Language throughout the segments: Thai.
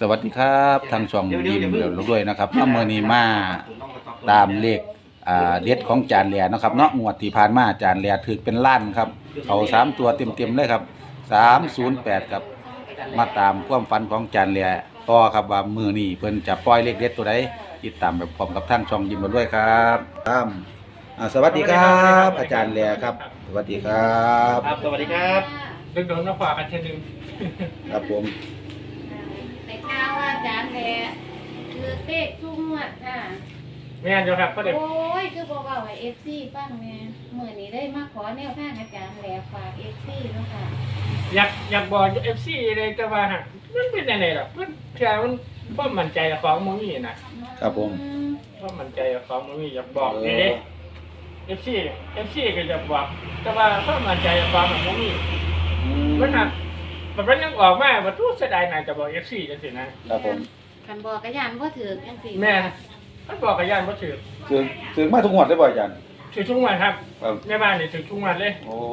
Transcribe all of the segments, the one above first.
วัสดีครับทางช่องยิ้มเดี๋ยวด้วยนะครับเมื่อนี้มาตามเลขเด็ดของจานแหล่นะครับเนาะงวดที่ผ่านมาจานแหล่ถือเป็นล้านครับเอา3ตัวเต็มเลยครับ308ครับมาตามความฝันของจานแหล่ต่อครับว่ามือนี้เพิ่นจะปล่อยเลขเด็ดตัวใดติดตามแบบพร้อมกับทางช่องยิ้มด้วยครับสวัสดีครับ อาจารย์แหล่ครับสวัสดีครับครับสวัสดีครับดึงโดนมาฝากกันเช่นนึงครับผมในข่าวว่าอาจารย์แหล่คือเต๊กทุ่งวัดค่ะแม่นอยู่ครับก็เด็กโอ้ยคือบอกว่าเอฟซีฟังแม่เมื่อนี้ได้มาขอแนวทางอาจารย์แหล่ฝากเอฟซีเนาะค่ะอยากบอกเอฟซีเลยแต่ว่ามันเป็นยังไงหรอมันแค่มันความมั่นใจของมึงนี่นะครับผมความมั่นใจของมึงนี่อยากบอกเลยเอฟซีก็จะบอกแต่ว่าความมั่นใจของมึงนี่มันหนักมันยังออกมาว่าทุกเสียดายนายจะบอกเอฟซีจังสินะครับผมคันบอกกระยานว่าถือจังสิแม่มันบอกกับย่านว่าถือมาทุกงวดได้บ่อาจารย์ถือทุกวันครับในบ้านนี่ถือทุกวันเลยโอ้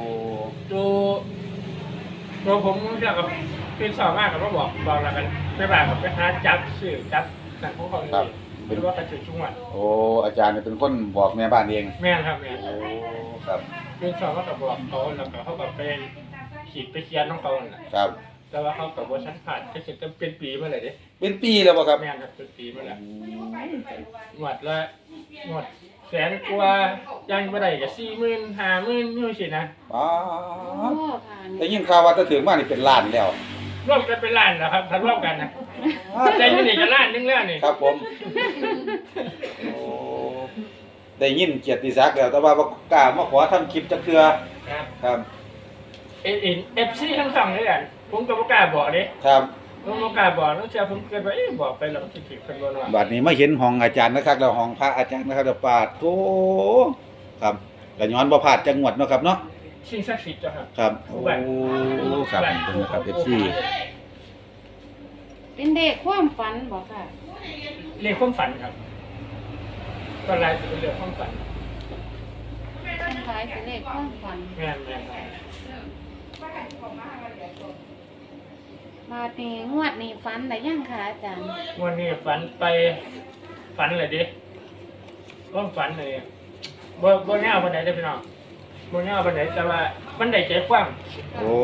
ดูผมเรียกกับเป็นสอบมากกับว่าบอกแล้วกันในบ้านกับไปหาจับสื่อจับสั่งของเขาเลยหรือว่ากระถือทุกวันโอ้อาจารย์เป็นคนบอกแม่บ้านเองแม่ครับแม่โอ้ครับเป็นสอบมากกับบอกเขาแล้วก็เขากับไปขีดไปเขียนของเขาครับแต่ว่าเขากับว่าชั้นผ่านจะเป็นปีเมื่อไหร่ดิเป็นปีแล้วป่ะครับแม่ครับเป็นปีเมื่อไหร่หมดละหมดแสนกว่ายังไม่ได้กับ40,000 50,000นี่สินะอ๋อแต่ยิ่งข่าวว่าจะถึงมานี่เป็นล้านแล้วร่วมกันเป็นล้านแล้วครับถ้ารวมกันนะแต่ยังนี่จะล้านนึงแล้วนี่ครับผมโอ้ได้ยินเกียรติศักดิ์แล้วแต่ว่าบ่กล้ามาขอทำคลิปจักเทื่อครับ FC ทั้งสองเลยอ่ะผมก็บ่กล้าบอกเด้ครับผมบ่กล้าบอกแล้วเชื่อผมเกิดว่าบอกไปแล้วมันสิผิดเพิ่นบ่เนาะบัดนี้มาเห็นห้องอาจารย์นะครับแล้วห้องพระอาจารย์นะครับปาดโธ่ครับก็ย้อนบ่พลาดจังหวัดเนาะครับเนาะสิ่งศักดิ์สิทธิ์จ้ะครับครับโอ้ครับเป็นครับ FC เป็นเด็กความฝันบ่ค่ะเรื่องความฝันครับก็หลายสิเป็นเรื่องความฝันเป็นคล้ายเป็นเด็กความฝันแม่นมาตีงวดนี้ฝันได้ยังค่ะอาจารย์งวดนี้ฝันเลยดิความฝันเลยบ่แนวปานใดเด้อพี่น้องบ่แนวปานใดแต่ว่ามันได้ใจกว้างโอ้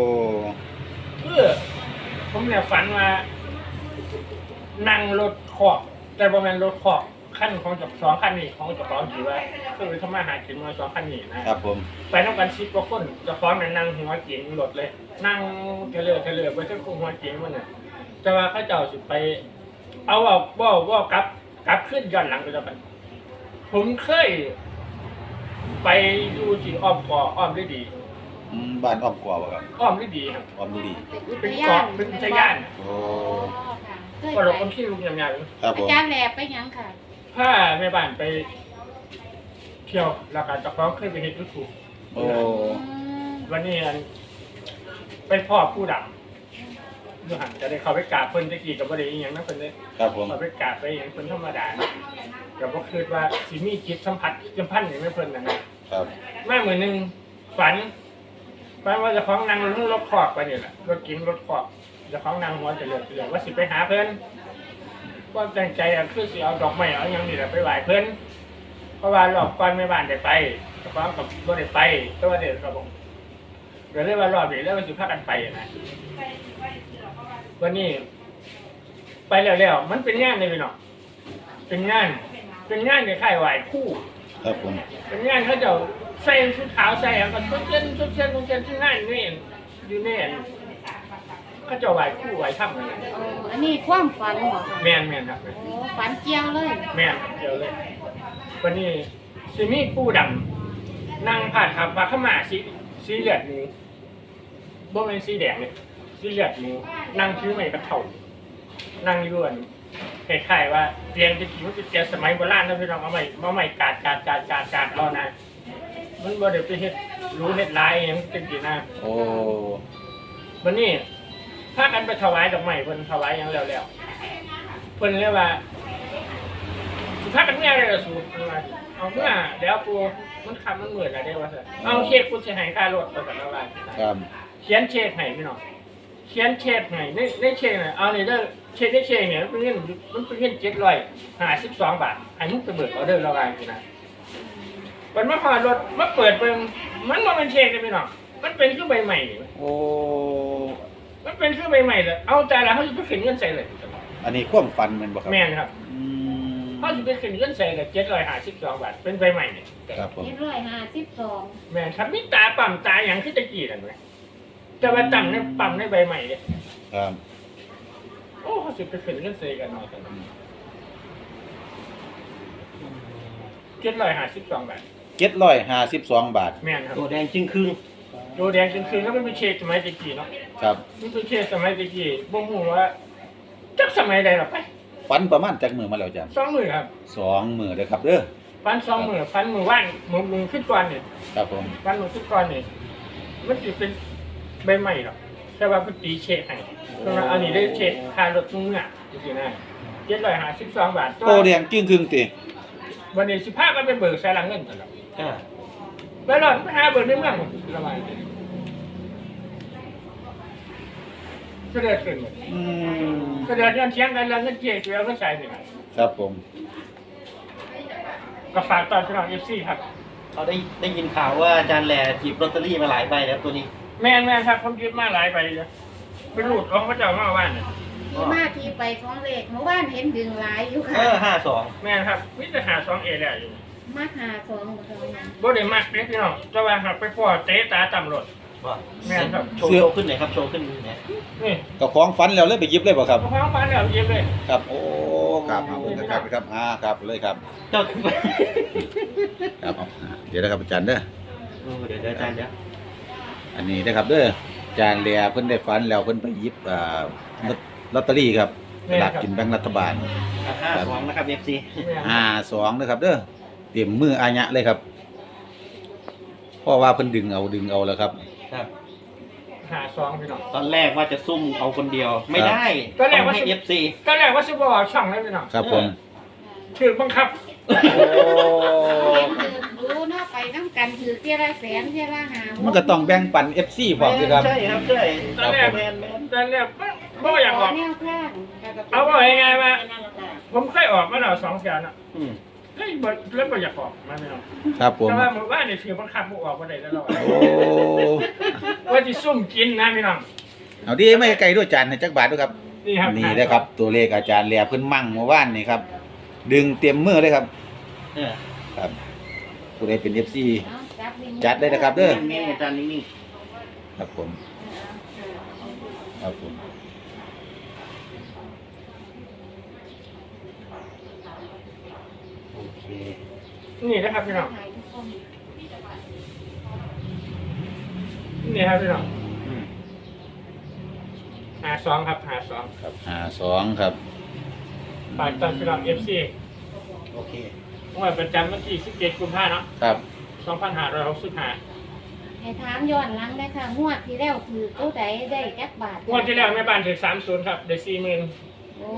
ผมเนี่ยฝันว่านั่งรถคอกแต่บ่แม่นรถคอกคันของ2คันนี้ของเจ้าของที่ว่าคือทำมาหากินมา2คันนี้นะครับผมไปนำกัน10กว่าคนเจ้าของน่ะนั่งหัวเก๋งรถเลยนั่งเทเลอร์ไปถึงหัวเก๋งมันน่ะแต่ว่าเขาเจ้าสิไปเอาว่ากลับขึ้นย้อนหลังไปแล้วกันผมเคยไปอยู่ที่อ้อมได้ดีบ้านอ้อมกว่าบ่ครับอ้อมได้ดีครับอ้อมได้ดีเป็นเกาะเป็นอุทยานโอ้ก็เราคนที่ลุงยำๆอาจารย์แหล่ไปยังค่ะถ้าแม่บ้านไปเที่ยวแล้วก็เจ้าของเคยไปเฮ็ด YouTube โอ้วันนี้เป็นพ่อผู้ดำอยู่หันจะได้เข้าไปกราบเพิ่นตะกี้ก็บ่ได้อีหยังนะเพิ่นเด้ครับผมเข้าไปกราบไปหยังเพิ่นธรรมดาก็บ่คิดว่าสิมีจิตสัมพันธ์หยังไม่เพิ่นนะครับมามื้อนึงฝันว่าเจ้าของนั่งรถคอกไปนี่แหละรถกินรถคอกเจ้าของนั่งหัวจะเลือว่าสิไปหาเพิ่นก็ตั้งใจคือสิเอาดอกไม้เอาหยังนี่แหละไปไหว้เพิ่นเพราะว่ารอบก่อนแม่บ้านได้ไปเจ้าของก็บ่ได้ไปแต่ว่าเดี๋ยวก็บ่ก็เลยว่ารอบนี้แล้วมันสิพากันไปนะวันนี้ไปแล้วมันเป็นงานเลยพี่น้องเป็นงานในค่ายไหว้ครูครับผมเป็นงานเขาจะใส่ชุดขาวใส่แล้วก็ชุดเช่นที่งานนี่อยู่นี่เขาจะไหว้ครูไหว้ถ้ำอะไรอันนี้ความฝันเหรอแม่นครับโอ้ฝันเกี่ยวเลยแม่นเกี่ยวเลยวันนี้สิมีผู้ดำนั่งผ่านขับมาเข้ามาสีเหลือดหมูบ่เป็นสีแดงเลยสีเหลือดหมูนั่งชื่อใหม่กระเถ่านั่งย้วนคล้ายๆว่าเตียงจะกี่มันจะเตียงสมัยโบราณนะพี่น้องเอาใหม่กาดรอนะมันบ่ได้ไปเฮ็ดรู้เฮ็ดลายอย่างเป็นกี่หน้าโอ้วันนี้พากันไปถวายดอกไม้เพิ่นถวายอย่างแล้วเพิ่นเรียกว่าสิพากันเมื่อไรล่ะสูเอาเมื่อเดี๋ยวกูมันคำมันเหมือนอะไรได้วะเอาเช็คกูจะให้ค่ารถไปกันแล้วว่าเขียนเช็คให้พี่น้องเขียนเช็คให้ในเช็คน่ะเอานี่เด้อเช็คได้เช็คเนี่ยมันเป็นเงิน752 บาทไอ้มึงไปเบิกออเดอร์ระหว่างนี่นะมันมาพอรถมาเปิดเบิ่งมันบ่เป็นเช็คเลยพี่น้องมันเป็นคือใบใหม่นี่โอ้มันเป็นคือใบใหม่เลยเอาแต่ละเขาจะไปขึ้นเงินใส่เลยอันนี้ความฝันแมันบ่ครับแม่นครับอืมเขาจะไปขึ้นเงินใส่เลย752 บาทเป็นใบใหม่เนี่ยครับผม 752 แม่นครับมีตาปั๊มตาอย่างคือตะกี้นั่นไหมแต่ว่าตั้งในปั๊มในใบใหม่เนี่ยครับโอ้เขาจะไปขึ้นเงินใส่กันหน่อยกัน752 บาท 752 บาทแม่นครับตัวแดงจึงครึ่งโดแดงจนคืนแล้วมันเป็นเชดสมัยตะกี้เนาะครับมันเป็นเชดสมัยตะกี้บ่ฮู้ว่าจักสมัยใดหรอกไปฝันประมาณจักมื้อมาแล้วอาจารย์ 2 มื้อครับ 2 มื้อเด้อครับเด้อฟัน2 มื้อฟันมื้อว่านมื้อขึ้นก่อนนี่ครับผมฟันมื้อขึ้นก่อนนี่มันสิเป็นใบใหม่หรอกแต่ว่าเพิ่นตีเชดให้เพราะว่าอันนี้ได้เชดค่ารถมึงอ่ะจังซี่นะ752 บาทโตแดงกิ้งครึ่งติวันนี้สิพากันไปเบิกใส่หลังเงินกันแล้วอ่าไปรอดไปหาเบิกในเมืองระบายเสด็จขึ้นหมดอืมเสด็จเงินเชียงกันแล้วเงินเจ๊เกลือก็ใส่นี่ครับครับผมก็ฝากตอนพี่น้อง FC ครับเราได้ยินข่าวว่าอาจารย์แหล่จีบลอตเตอรี่มาหลายใบแล้วตัวนี้แม่นครับผมยึดมาหลายใบเลยไปรูดของพระเจ้ามาว่านเนี่ยที่มาที่ไปของเลขเมื่อวานเห็นดึงหลายอยู่ค่ะ 52 แม่นครับมิจะหา2A ได้อยู่มาหา2บ่ต้องนั้นบ่ได้มักเด้พี่น้องแต่ว่าหากไปพ่อเตะตาต่ำรถว่าแม่นครับโชว์ขึ้นหน่อยครับโชว์ขึ้นหน่อยนี่ก็ของฝันแล้วเลยไปหยิบเลยบ่ครับของฟ้าแล้วเย็บเลยครับ โอ้ครับครับครับครับเลยครับเจ้าครับเดี๋ยวนะครับอาจารย์เด้อเดี๋ยวอาจารย์เดี๋ยวอันนี้นะครับเด้ออาจารย์แลเพิ่นได้ฝันแล้วเพิ่นไปหยิบลอตเตอรี่ครับสลากกินแบ่งรัฐบาล 52นะครับ FC แม่น 52นะครับเด้อเตรียมมืออาญะเลยครับเพราะว่าเพิ่นดึงเอาแล้วครับครับหา2พี่น้องตอนแรกว่าจะซุ่มเอาคนเดียวไม่ได้ตอนแรกว่าให้ FC ตอนแรกว่าสิบ่ออกช่องเลยพี่น้องครับผมถือบังคับโอ้เห็นถือรู้เนาะไปนำกันถือเที่ยละแสนเที่ยละหามันก็ต้องแบ่งปัน FC พร้อมสิครับใช่ครับใช่ตอนแรกแมนตอนแรกบ่อยากออกแนวข้างเอาว่ายังไงมาผมเคยออกมาแล้ว2 แสนอ่ะอืมแล้วบ่อยากออกมาพี่น้องครับผมแต่ว่าหมู่บ้านนี่ถือบังคับบ่ออกบ่ได้แล้วโอ้ว่าสิซุ่มกินนะพี่น้องเอาดีไม่ไกลด้วยจานให้จักบาทด้วยครับนี่ครับนี่นะครับ ตัวเลขอาจารย์แลเพิ่นมั่งเมื่อวานนี่ครับ ดึงเต็มมือเลยครับเออครับผู้ใดเป็น FC จัดเลยนะครับเด้อนิ่งๆอาจารย์นิ่งครับผมครับผมๆโอเคนี่นะครับพี่น้องนี่ครับพี่น้องอืมหา2ครับหา2 ครับ52ครับฝากตอนพี่น้อง FC โอเคงวดประจำวันที่17กุมภาพันธ์เนาะครับ 2565 ให้ถามย้อนหลังได้ค่ะงวดที่แล้วถือตัวใดได้จักบาทงวดที่แล้วแม่บ้านถือ30ครับได้40,000 โอ้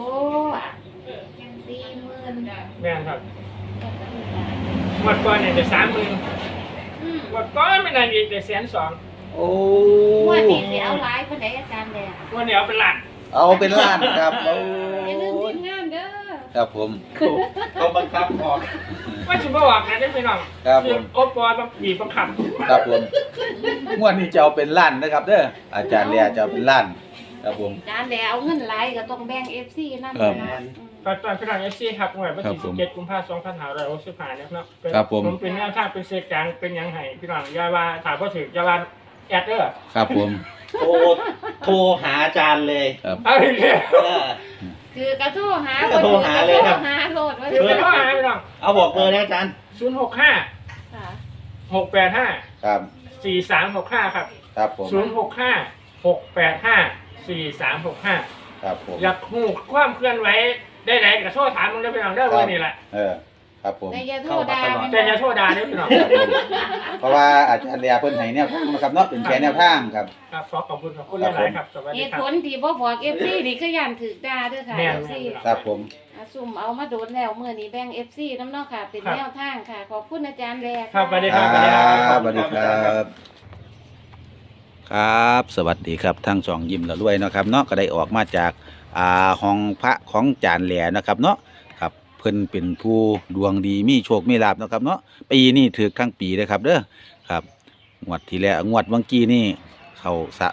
40,000 แม่นครับงวดก่อนเนี่ยได้30,000 อืมงวดก่อนไม่นานอีกได้120,000 โอ้งวดนี้สิเอาหลายปานใดอาจารย์แดงงวดนี้เอาเป็นล้านเอาเป็นล้านครับโอ้อย่าลืมทีมงานเด้อครับผมเขาบังคับออกว่าสิบ่ออกนะได้พี่น้องครับผมโอปอต้องบีบบังคับครับผมงวดนี้จะเอาเป็นล้านนะครับเด้ออาจารย์แลจะเอาเป็นล้านครับผมอาจารย์แดงเอาเงินหลายก็ต้องแบ่ง FC นำครับนะฝากตอนพี่น้อง FC ครับงวดวันครับที่ผม 17กุมภาพันธ์2565นะครับเป็นครับผมเป็นแนวทางเป็นเศษกลางเป็นหยังไงพี่น้องอย่าว่าถามบ่ถึกอย่าว่าแอดเด้อครับผมโทรหาอาจารย์เลยครับเอาอีกแล้วเออคือกระโทรหาก็โทรหาเลยครับโทรหาโลดว่าถือเป็นข้อหาพี่น้องเอาบอกเบอร์นะอาจารย์ 065 ค่ะ 685 ครับ 4365ครับครับผม 065 685 4365 ครับผมอยากฮู้ความเคลื่อนไหวได้ไหนก็โทรถามมึงได้พี่น้องได้อว่านี่แหละครับผมแต่อย่าโทรด่าแต่อย่าโทรด่าเด้อพี่น้องเพราะว่าอาจารย์แลเพิ่นให้แนวทางนะครับเนาะเป็นแค่แนวทางครับครับขอบคุณหลายๆครับสวัสเหดีตุครัผบลที่บ่บอก FC นี่ก็ย่านถูกด่าเด้อค่ะแม่น FC ครับผมซุ่มเอามาโดนแล้วมื้อนี้แบ่ง FC นำเนาะค่ะ เป็นแนวทางค่ะ ขอบคุณอาจารย์แดงครับสวัสดีคครัรับบ สวัสดีครับครับสวัสดีครับทั้งสองยิ้มละรวยเนาะครับเนาะก็ได้ออกมาจากห้องพระของจานแหล่นะครับเนาะครับเพิ่นเป็นผู้ดวงดีมีโชคมีลาภเนาะครับเนาะปีนี้ถือทั้งปีเลยครับเด้อครับงวดที่แล้วงวดเมื่อกี้นี่เข้า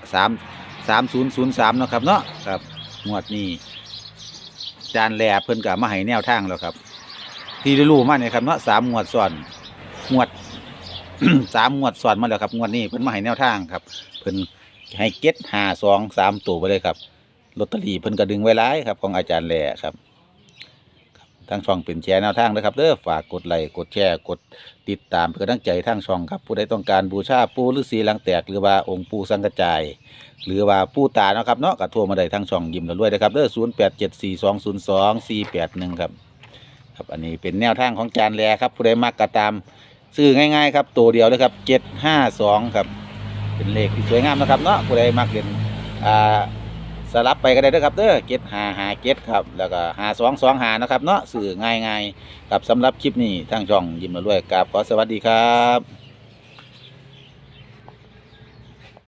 3003เนาะครับเนาะครับงวดนี้จานแหล่เพิ่นก็มาให้แนวทางแล้วครับที่ได้รู้มาเนี่ยครับเนาะ3งวดซ้อนงวด 3งวดซ้อนมาแล้วครับงวดนี้เพิ่นมาให้แนวทางครับเพิ่นให้เก็ต523ตัวไปเลยครับลอตเตอรี่เพิ่นก็ดึงไว้หลายครับของอาจารย์แหล่ครับทางช่องเป็นแชร์แนวทางนะครับเด้อฝากกดไลค์กดแชร์กดติดตามเพื่อตั้งใจทางช่องครับผู้ใดต้องการบูชาปู่ฤาษีหลังแตกหรือว่าองค์ปู่สังกจายหรือว่าปู่ตาเนาะครับเนาะก็โทรมาได้ทางช่องยิ้มแล้วรวยนะครับเด้อ0874202481ครับครับอันนี้เป็นแนวทางของอาจารย์แหล่ครับผู้ใดมักก็ตามซื้อง่ายๆครับตัวเดียวเลยครับ752ครับเป็นเลขที่สวยงามนะครับเนาะผู้ใดมักเล่นสลับไปก็ได้เด้อครับเด้อ7557ครับแล้วก็5225นะครับเนาะซื้อง่ายๆครับสำหรับคลิปนี้ทางช่องยิ้มแล้วรวยครับขอสวัสดีครับ